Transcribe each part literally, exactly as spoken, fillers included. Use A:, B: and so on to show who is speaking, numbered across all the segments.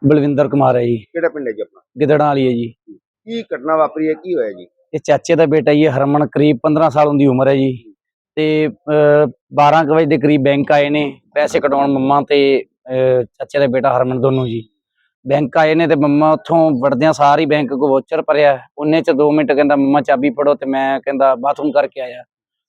A: ਬਲਵਿੰਦਰ ਕੁਮਾਰ ਹੈ ਜੀ।
B: ਕਿਹੜਾ ਪਿੰਡ ਹੈ ਜੀ ਆਪਣਾ?
A: ਗਿੱਦੜਾਂ ਵਾਲੀ ਹੈ ਜੀ।
B: ਕੀ ਘਟਨਾ ਵਾਪਰੀ ਹੈ, ਕੀ ਹੋਇਆ ਜੀ?
A: ਇਹ ਚਾਚੇ ਦਾ ਬੇਟਾ ਜੀ, ਹਰਮਨ, ਕਰੀਬ ਪੰਦਰਾਂ ਸਾਲ ਦੀ ਉਮਰ ਹੈ ਜੀ। ਤੇ ਬਾਰਾਂ ਕੁ ਵਜੇ ਦੇ ਕਰੀਬ ਬੈਂਕ ਆਏ ਨੇ ਪੈਸੇ ਕਢਾਉਣ, ਮੰਮਾ ਤੇ ਅਹ, ਚਾਚੇ ਦਾ ਬੇਟਾ ਹਰਮਨ ਦੋਨੋਂ ਜੀ। ਬੈਂਕ ਆਏ ਨੇ ਤੇ ਮੰਮਾ ਉੱਥੋਂ ਵੜਦਿਆਂ ਸਾਰ ਹੀ ਬੈਂਕ ਕੋ ਵੋਚਰ ਭਰਿਆ। ਉਹਨੇ ਚ ਦੋ ਮਿੰਟ ਕਹਿੰਦਾ ਮੰਮਾ ਚਾਬੀ ਫੜੋ, ਤੇ ਮੈਂ ਕਹਿੰਦਾ ਬਾਥਰੂਮ ਕਰਕੇ ਆਇਆ।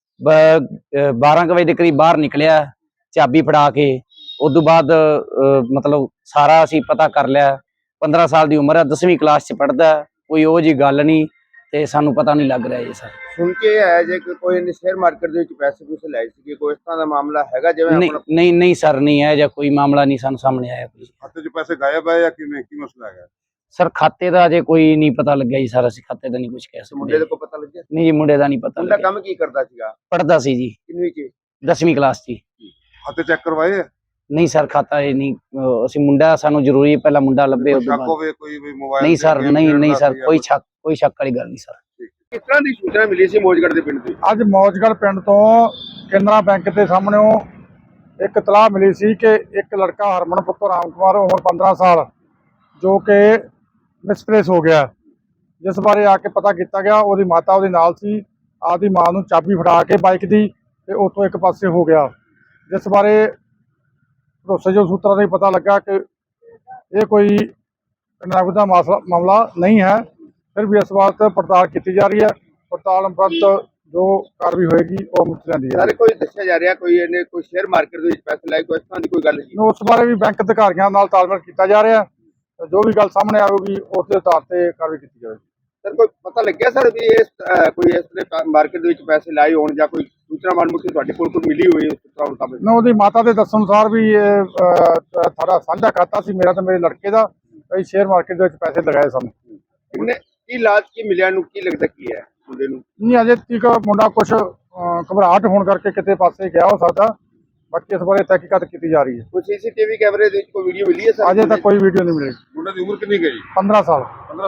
A: ਬਾਰਾਂ ਕੁ ਵਜੇ ਦੇ ਕਰੀਬ ਬਾਹਰ ਨਿਕਲਿਆ ਚਾਬੀ ਫੜਾ ਕੇ। ਉਦੋਂ ਬਾਅਦ ਮਤਲਬ ਸਾਰਾ ਅਸੀਂ ਪਤਾ ਕਰ ਲਿਆ। ਪੰਦਰਾਂ ਸਾਲ ਦੀ ਉਮਰ ਹੈ, ਦਸਵੀਂ ਕਲਾਸ ਚ ਪੜ੍ਹਦਾ। ਕੋਈ ਉਹ ਜੀ ਗੱਲ ਨਹੀਂ ਤੇ ਸਾਨੂੰ ਪਤਾ ਨਹੀਂ ਲੱਗ ਰਿਹਾ ਜੀ ਸਰ।
B: ਸੁਣ ਕੇ ਆਇਆ ਜੇ ਕਿ ਕੋਈ ਨੇ ਸ਼ੇਅਰ ਮਾਰਕੀਟ ਦੇ ਵਿੱਚ ਪੈਸੇ ਪੂਸੇ ਲਾਏ ਸੀ, ਕੋਈ ਇਸ ਤਰ੍ਹਾਂ ਦਾ ਮਾਮਲਾ ਹੈਗਾ? ਜਿਵੇਂ
A: ਨਹੀਂ
B: ਆਪਣਾ
A: ਨਹੀਂ ਨਹੀਂ ਸਰ, ਨਹੀਂ ਹੈ ਜਾਂ ਕੋਈ ਮਾਮਲਾ ਨਹੀਂ ਸਾਨੂੰ ਸਾਹਮਣੇ ਆਇਆ। ਕੋਈ
C: ਖਾਤੇ 'ਚ ਪੈਸੇ ਗਾਇਬ ਹੈ ਜਾਂ ਕਿਵੇਂ, ਕੀ ਮਸਲਾ ਹੈਗਾ?
A: ਸਰ ਖਾਤੇ ਦਾ ਅਜੇ ਕੋਈ ਨਹੀਂ ਪਤਾ ਲੱਗਿਆ ਜੀ ਸਰ। ਅਸੀਂ ਖਾਤੇ ਦਾ ਨਹੀਂ ਕੁਝ ਕਹਿ ਸਕਦੇ।
B: ਮੁੰਡੇ ਦੇ ਕੋਈ ਪਤਾ ਲੱਗਿਆ?
A: ਨਹੀਂ ਜੀ, ਮੁੰਡੇ ਦਾ ਨਹੀਂ ਪਤਾ
B: ਮੁੰਡਾ
A: ਲੱਗਿਆ।
B: ਕੰਮ ਕੀ ਕਰਦਾ ਸੀਗਾ?
A: ਪੜ੍ਹਦਾ ਸੀ ਜੀ,
B: ਕਿੰਨਵੀਂ ਚ?
A: ਦਸਵੀਂ ਕਲਾਸ ਚ।
C: ਖਾਤੇ ਚੈੱਕ ਕਰਵਾਏ?
A: ਨਹੀਂ ਸਰ, ਖਾਤਾ ਇਹ ਨਹੀਂ। ਅਹ ਅਸੀਂ ਮੁੰਡਾ, ਸਾਨੂੰ ਜ਼ਰੂਰੀ ਹੈ ਪਹਿਲਾਂ ਮੁੰਡਾ ਲੱਭੇ ਉਸ ਤੋਂ
C: ਸ਼ੱਕ
A: ਬਾਅਦ।
C: ਹੋਵੇ ਕੋਈ ਵੀ ਮੋਬਾਈਲ
A: ਨਹੀਂ ਸਰ, ਨਹੀਂ ਨਹੀਂ ਸਰ, ਕੋਈ ਸ਼ੱਕ ਕੋਈ ਸ਼ੱਕ ਵਾਲੀ ਗੱਲ ਨਹੀਂ ਸਰ।
B: ਕਿਸ ਤਰ੍ਹਾਂ ਦੀ ਸੂਚਨਾ ਮਿਲੀ ਸੀ ਮੌਜਗੜ੍ਹ ਦੇ ਪਿੰਡ ਦੀ?
D: ਅੱਜ ਮੌਜਗੜ੍ਹ ਪਿੰਡ ਤੋਂ ਕੇਨਰਾ ਬੈਂਕ ਦੇ ਸਾਹਮਣੇੋਂ ਇੱਕ ਇਤਲਾਹ ਮਿਲੀ ਸੀ ਕਿ ਇੱਕ ਲੜਕਾ ਹਰਮਨ ਪੁੱਤਰ ਰਾਮ ਕੁਮਾਰ, ਉਮਰ ਪੰਦਰਾਂ ਸਾਲ, ਜੋ ਕਿ ਮਿਸਪਲੇਸ ਹੋ ਗਿਆ, ਜਿਸ ਬਾਰੇ ਆ ਕੇ ਪਤਾ ਕੀਤਾ ਗਿਆ। ਉਹਦੀ ਮਾਤਾ ਉਹਦੇ ਨਾਲ ਸੀ। ਆਪਦੀ ਮਾਂ ਨੂੰ ਚਾਬੀ ਫੜਾ ਕੇ ਬਾਈਕ ਦੀ ਤੇ ਉੱਥੋਂ ਇੱਕ ਪਾਸੇ ਹੋ ਗਿਆ, ਜਿਸ ਬਾਰੇ ਭਰੋਸੇਯੋਗ ਸੂਤਰਾਂ ਤੋਂ ਪਤਾ ਲੱਗਾ ਕਿ ਇਹ ਕੋਈ ਨਗਦ ਦਾ ਮਸਲਾ ਮਾਮਲਾ ਨਹੀਂ ਹੈ। ਫਿਰ ਵੀ ਇਸ ਬਾਤ ਪੜਤਾਲ ਕੀਤੀ ਜਾ ਰਹੀ ਹੈ। ਪੜਤਾਲ ਉਪਰੰਤ ਜੋ ਕਾਰਵਾਈ ਹੋਏਗੀ ਉਹ ਮੁੱਕ ਜਾਂਦੀ ਹੈ।
B: ਸਾਰੇ ਕੋਈ ਦੱਸਿਆ ਜਾ ਰਿਹਾ ਕੋਈ ਇਹਨੇ ਕੋਈ ਸ਼ੇਅਰ ਮਾਰਕੀਟ ਦੇ ਵਿੱਚ ਪੈਸੇ ਲਾਏ, ਕੋਈ ਇਸ ਤਰ੍ਹਾਂ ਦੀ ਕੋਈ ਗੱਲ ਨਹੀਂ?
D: ਉਸ ਬਾਰੇ ਵੀ ਬੈਂਕ ਅਧਿਕਾਰੀਆਂ ਨਾਲ ਤਾਲਮੇਲ ਕੀਤਾ ਜਾ ਰਿਹਾ। ਜੋ ਵੀ ਗੱਲ ਸਾਹਮਣੇ ਆਵੇਗੀ ਉਸ ਦੇ ਆਧਾਰ ਤੇ ਕਾਰਵਾਈ ਕੀਤੀ ਜਾਵੇਗੀ।
B: ਸਰ ਕੋਈ ਪਤਾ ਲੱਗਿਆ ਸਰ ਵੀ ਇਸ ਕੋਈ ਇਸ ਤਰ੍ਹਾਂ ਮਾਰਕੀਟ ਦੇ ਵਿੱਚ ਪੈਸੇ ਲਾਏ ਹੋਣ ਜਾਂ ਕੋਈ ਸੂਚਨਾ ਮਾਲੂਮਾਤ ਤੁਹਾਡੇ ਕੋਲ ਕੋਈ ਮਿਲੀ ਹੋਈ ਉਸ ਤਰ੍ਹਾਂ ਮੁਤਾਬਕ?
D: ਨਾ, ਉਹਦੀ ਮਾਤਾ ਦੇ ਦੱਸਣ ਅਨੁਸਾਰ ਵੀ ਇਹ ਸਾਡਾ ਸਾਂਝਾ ਖਾਤਾ ਸੀ, ਮੇਰਾ ਤੇ ਮੇਰੇ ਲੜਕੇ ਦਾ। ਅਸੀਂ ਸ਼ੇਅਰ ਮਾਰਕੀਟ ਦੇ ਵਿੱਚ ਪੈਸੇ ਲਗਾਏ ਸਨ।
B: ਉਹਨੇ ਕੀ ਲਾਜ ਕੀ ਮਿਲਿਆ ਨੂੰ, ਕੀ ਲੱਗਦਾ ਕੀ ਹੈ ਮੁੰਡੇ ਨੂੰ?
D: ਨਹੀਂ, ਅਜੇ ਤੱਕ ਮੁੰਡਾ ਕੁਝ ਘਬਰਾਹਟ ਹੋਣ ਕਰਕੇ ਕਿਤੇ ਪਾਸੇ ਗਿਆ ਹੋ ਸਕਦਾ। ਬਾਕੀ ਇਸ ਬਾਰੇ ਤਹਿਕੀਕਾਤ ਕੀਤੀ ਜਾ ਰਹੀ ਹੈ।
B: ਕੋਈ ਸੀਸੀਟੀਵੀ ਕੈਮਰੇ ਦੇ ਵਿੱਚ ਕੋਈ ਵੀਡੀਓ ਮਿਲੀ ਹੈ ਸਰ?
D: ਅਜੇ ਤੱਕ ਕੋਈ ਵੀਡੀਓ ਨਹੀਂ ਮਿਲੀ।
C: ਮੁੰਡੇ ਦੀ ਉਮਰ ਕਿੰਨੀ ਗਈ?
D: ਪੰਦਰਾਂ ਸਾਲ।